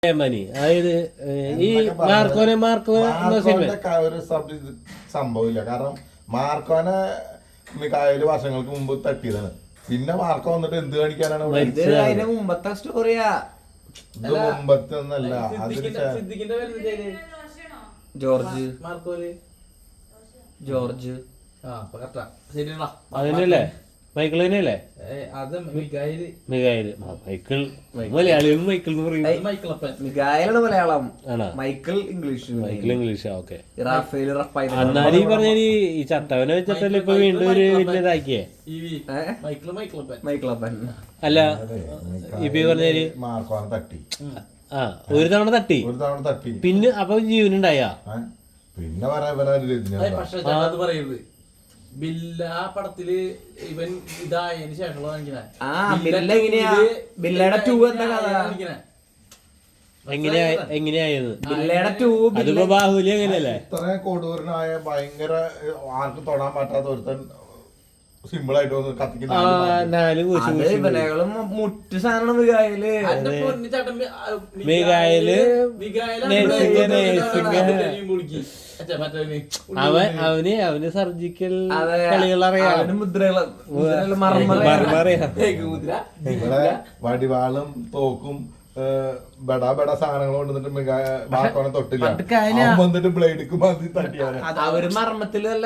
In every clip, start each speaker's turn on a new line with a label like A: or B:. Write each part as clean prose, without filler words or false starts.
A: അതായത് ഈ
B: ഒരു സംഭവമില്ല. കാരണം മാർക്കോനെ മിക്കായാലും വർഷങ്ങൾക്ക് മുമ്പ് തട്ടിയതാണ്. പിന്നെ മാർക്കോ വന്നിട്ട് എന്ത് കാണിക്കാനാണ്?
C: മുമ്പത്തെ സ്റ്റോറിയാ,
B: ഇത് മുമ്പത്തെ ഒന്നല്ല.
C: ജോർജ് ജോർജ്
A: അതിനല്ലേ മൈക്കിൾ തന്നെയല്ലേ? മലയാളികളും മൈക്കിൾ എന്ന് പറയും.
C: മിഗായലാണ് മലയാളം, മൈക്കിൾ ഇംഗ്ലീഷ്.
A: ഓക്കെ.
C: എന്നാലും
A: ഈ പറഞ്ഞ ഈ ചത്തവനെ വെച്ചിട്ടല്ലേ ഇപ്പൊ വീണ്ടും ഒരു വലിയതാക്കിയേ
C: മൈക്കിളപ്പൻ.
A: അല്ല ഇപ്പൊ പറഞ്ഞാല്
B: മാർക്കോനെ തട്ടി.
A: ഒരു തവണ തട്ടി പിന്നെ അപ്പൊ ജീവനുണ്ടായ
B: പിന്നെ
D: പറയരുത്. ബില്ല പടത്തില് ഇവൻ ഇതായതിനു ശേഷമുള്ള
A: എങ്ങനെയായത് അതിപ്പോ ബാഹുലി അങ്ങനെയല്ലേ?
B: ഇത്ര കൊടൂരനായ ഭയങ്കര ആർക്കും തൊടാൻ പറ്റാത്ത ഒരുത്തൻ സിമ്പിൾ ആയിട്ട് വന്ന് കത്തിക്കുന്ന
C: മുറ്റ് സാധനം മിഗായില്
A: അവന് സർജിക്കൽ കളികൾ അറിയാം.
B: വടിവാളും തോക്കും ബടാ ബടാ സാധനങ്ങൾ കൊണ്ടുവന്നിട്ട് മാർക്കോനെ തൊട്ടില്ല. വന്നിട്ട് ബ്ലേഡിക്ക് മതി തട്ടിയാണ്.
C: അവര് മർമ്മത്തിലല്ല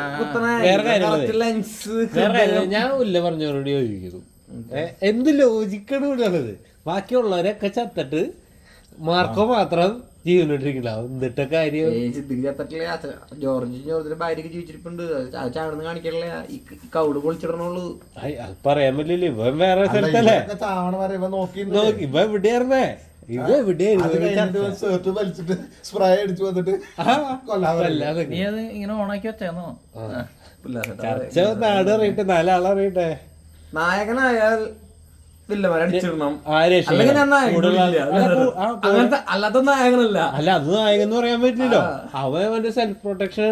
A: ഞാൻ ഉല്ല പറഞ്ഞവരോട് യോജിക്കുന്നു. എന്ത് ലോജിക്കാണ് കൂടാണത്? ബാക്കിയുള്ളവരൊക്കെ ചത്തിട്ട് മാർക്കോ മാത്രം ജീവനോട്ടിരിക്കണ എന്നിട്ട കാര്യം.
C: ജോർജിന്റെ ഭാര്യക്ക് ജീവിച്ചിരിപ്പുണ്ട്, ചാടുന്ന് കാണിക്കണില്ല, ഈ കൗട് പൊളിച്ചിടണുള്ളൂ.
A: പറയാൻ പറ്റില്ല. ഇവൻ വേറെ സ്ഥലത്തല്ലേ നോക്കി ഇവ എവിടെയായിരുന്നേ? ഇവ എവിടെയായിരുന്നു?
B: വലിച്ചിട്ട് സ്പ്രേ അടിച്ചു വന്നിട്ട്
D: ഇങ്ങനെ ഓണാക്കി വെച്ചേന്നോ?
A: ചർച്ച നാട് അറിയട്ടെ, നാലാളറിയട്ടെ.
C: നായകനായാൽ വില്ലന്മാരടിച്ചിടണം. അല്ലാത്ത നായകനല്ല.
A: അല്ല അത് നായകൻ എന്ന് പറയാൻ പറ്റില്ലല്ലോ. അവന്റെ സെൽഫ് പ്രൊട്ടക്ഷൻ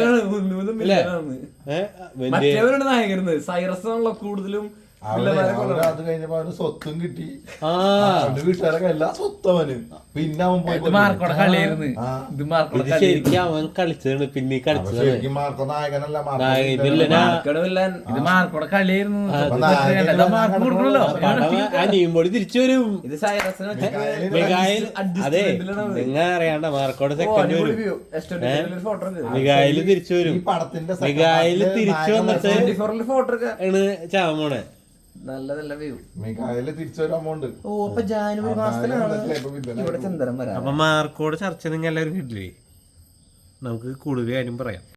C: മറ്റേവരുടെ നായകരുന്ന് സൈറസ് കൂടുതലും.
B: അത് കഴിഞ്ഞപ്പോ അവന് സ്വത്തും കിട്ടി, വീട്ടുകാരൊക്കെ എല്ലാ സ്വത്തും അവന്. പിന്നെ അവൻ
A: ശരിക്കും അവൻ കളിച്ചതാണ്. പിന്നെ കളിച്ചത്
B: മാർക്കോ നായകനല്ല,
A: അനിയുമ്പോടി തിരിച്ചു വരും.
C: ഇത് സൈറസിന്
A: അതെ നിങ്ങൾ അറിയാണ്ട മാർക്കോടെ സെക്കൻഡ് വരും. മിഗായില് തിരിച്ചു വരും. മിഗായില് തിരിച്ചു വന്നിട്ട് ആണ് ചാമോണെ.
C: നല്ല വ്യൂ.
B: മിഗായില് തിരിച്ചു വരാൻ പോണ്ട്.
C: ഓ അപ്പൊ ജാനുവരി മാസത്തിലാണ് ഇവിടെ ചന്ദ്രൻ വരാം.
A: അപ്പൊ മാർക്കോട് ചർച്ച നിങ്ങൾ എല്ലാവരും കിട്ടില്ലേ? നമുക്ക് കൂടുതൽ കാര്യം പറയാം.